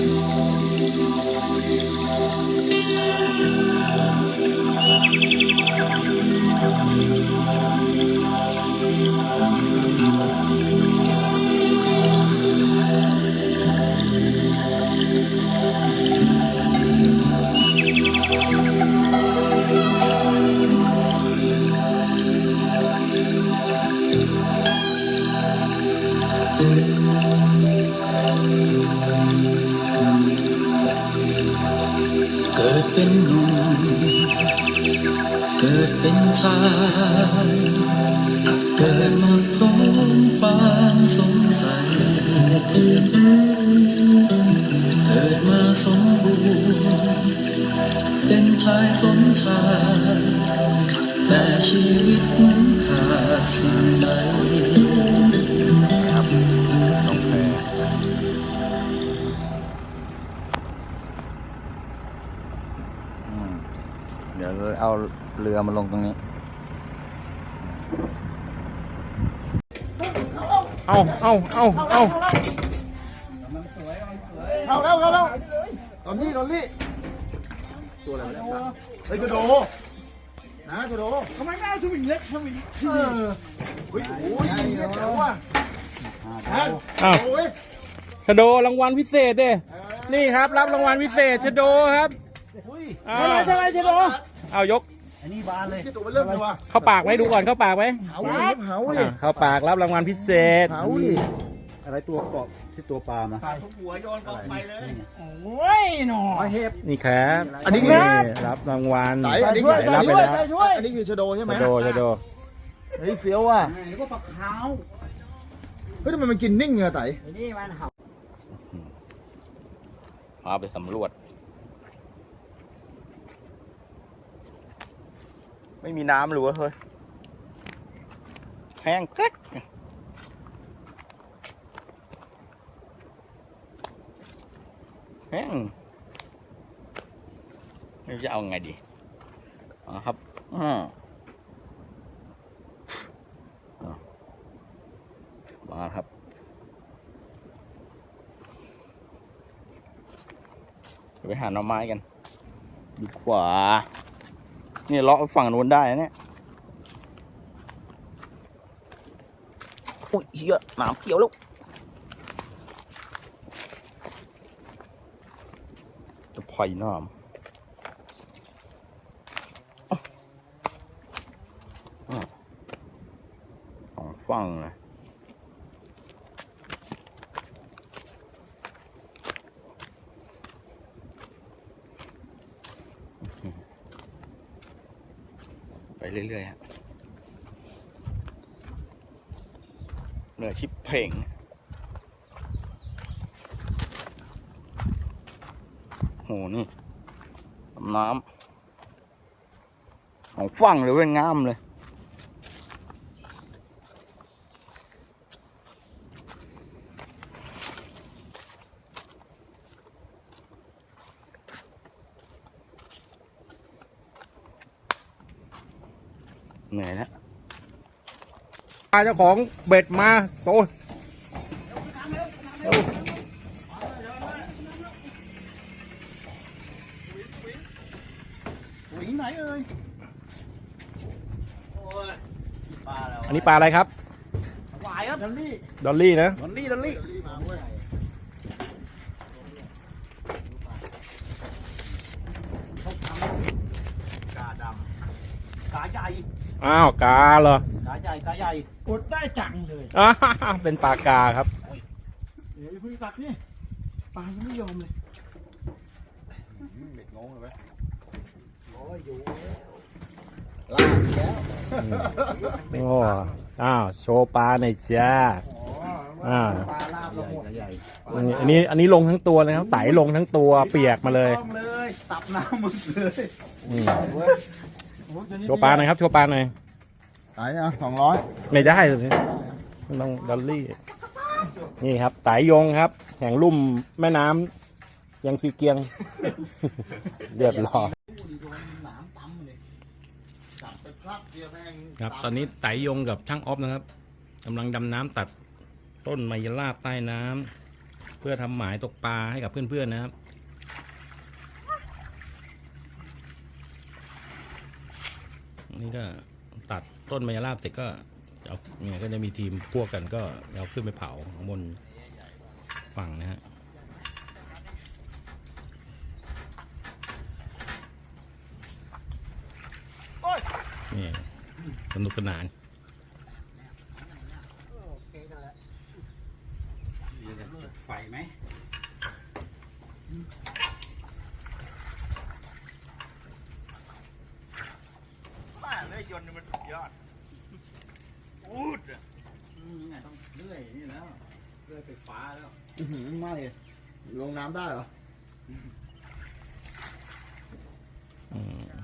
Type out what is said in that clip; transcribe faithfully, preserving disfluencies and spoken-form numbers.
เกิดเป็นหนุ่มเกิดเป็นชายเกิดมาพร้อมความสงสัยเกิดมาสมบูรณ์เป็นชายสมชายแต่ชีวิตเหมือนขาดสิ่งใดครับลงแพเดี๋ยวเอาเรือมาลงตรงนี้เอาเอาเอาเอาเข้าแล้วเข้าแล้วตอนนี้ตอนนี้ตัวอะไรวะเฮ้ยกระโดนะกระโดทำไมไม่เอาสวิงเล็กสวิงเออเฮ้ยโอ้ยเล็กแล้วว่ะอ้าวชโดรางวัลพิเศษเด้นี่ครับรับรางวัลพิเศษชโดครับใช่ไหมใช่ไหมชโดเอายกอันนี้บานเลยตัวมันเริ่มเลยว่ะเข้าปากไหมดูก่อนเข้าปากไหมเผาดิเผาดิเข้าปากรับรางวัลพิเศษเผาดิอะไรตัวเกาะที่ตัวปลามาหัวโยนออกไปเลยโอ้ยหนอเห็บนี่ครับอันนี้รับรางวัลอันนี้คือรับไปแล้วอันนี้คือชโดใช่ไหมชโดชโดเฮ้ยเฟี้ยวว่ะนี่ก็ปลาขาวเฮ้ยทำไมมันกินนิ่งอะไต่นี่มันเห่าพาไปสำรวจไม่มีน้ำหรือวะเฮ้ยแห้งกริ๊กแห้งนี่จะเอาไงดีอ๋อครับอืมมาครับไปหาหน่อไม้กันดีกว่านี่เลาะฝั่งนู้นได้เนี่ยโอ้ยเยอะหนามเกี่ยวลูกจะไผ่หนามสองฝั่งเลยไปเรื่อยๆฮะเหนือชิปเพ่งโหนี่น้ำของฝั่งเลยเว้ยงามเลยเหนื่อยแล้วเจ้าของเบ็ดมาโตวิ่งไหนเอ่ยอันนี้ปลาอะไรครับหวายครับดอลลี่ดอลลี่นะดอลลี่ดอลลี่กาดำกาใหญ่อ้าวกาเหรอกาใหญ่กาใหญ่กดได้จังเลยอ้าเป็นปลากาครับเดี๋ยวพึ่งตักนี่ปลายังไม่ยอมเลยเด็กงงเลยโอ้ยอยู่ลากแล้วโอ้อ้าวโชว์ปลาหน่อยจ้าอ่าปลาลาบละหมดใหญ่อันนี้อันนี้ลงทั้งตัวเลยครับไต่ลงทั้งตัวเปียกมาเลยเลยตับน้ำมึงเลยโชว์ปลาหน่อยครับโชว์ปลาหน่อยไต่อ่ะสองร้อยไม่ได้เลยต้องดอลลี่นี่ครับไต่ยงครับแห่งลุ่มแม่น้ำยังซีเกียงเรียบร้อยครับตอนนี้ไต่ยงกับช่างออฟนะครับกำลังดำน้ำตัดต้นไมยราบใต้น้เพื่อทำหมายตกปลาให้กับเพื่อนๆนะครับ นี่ก็ตัดต้นมะยราบเสร็จก็เอาเนี่ยก็จะมีทีมพวกกันก็เอาขึ้นไปเผาข้างบนฝั่งนะฮะนี่สนุกสนานไฟไหมบ้าเลยยนต์มันสุดยอดอูดอ่ะนี่ไงต้องเลื่อยนี่แล้วเลื่อยไฟฟ้าแล้วอื้อหือไม่ลงน้ำได้เหรออืม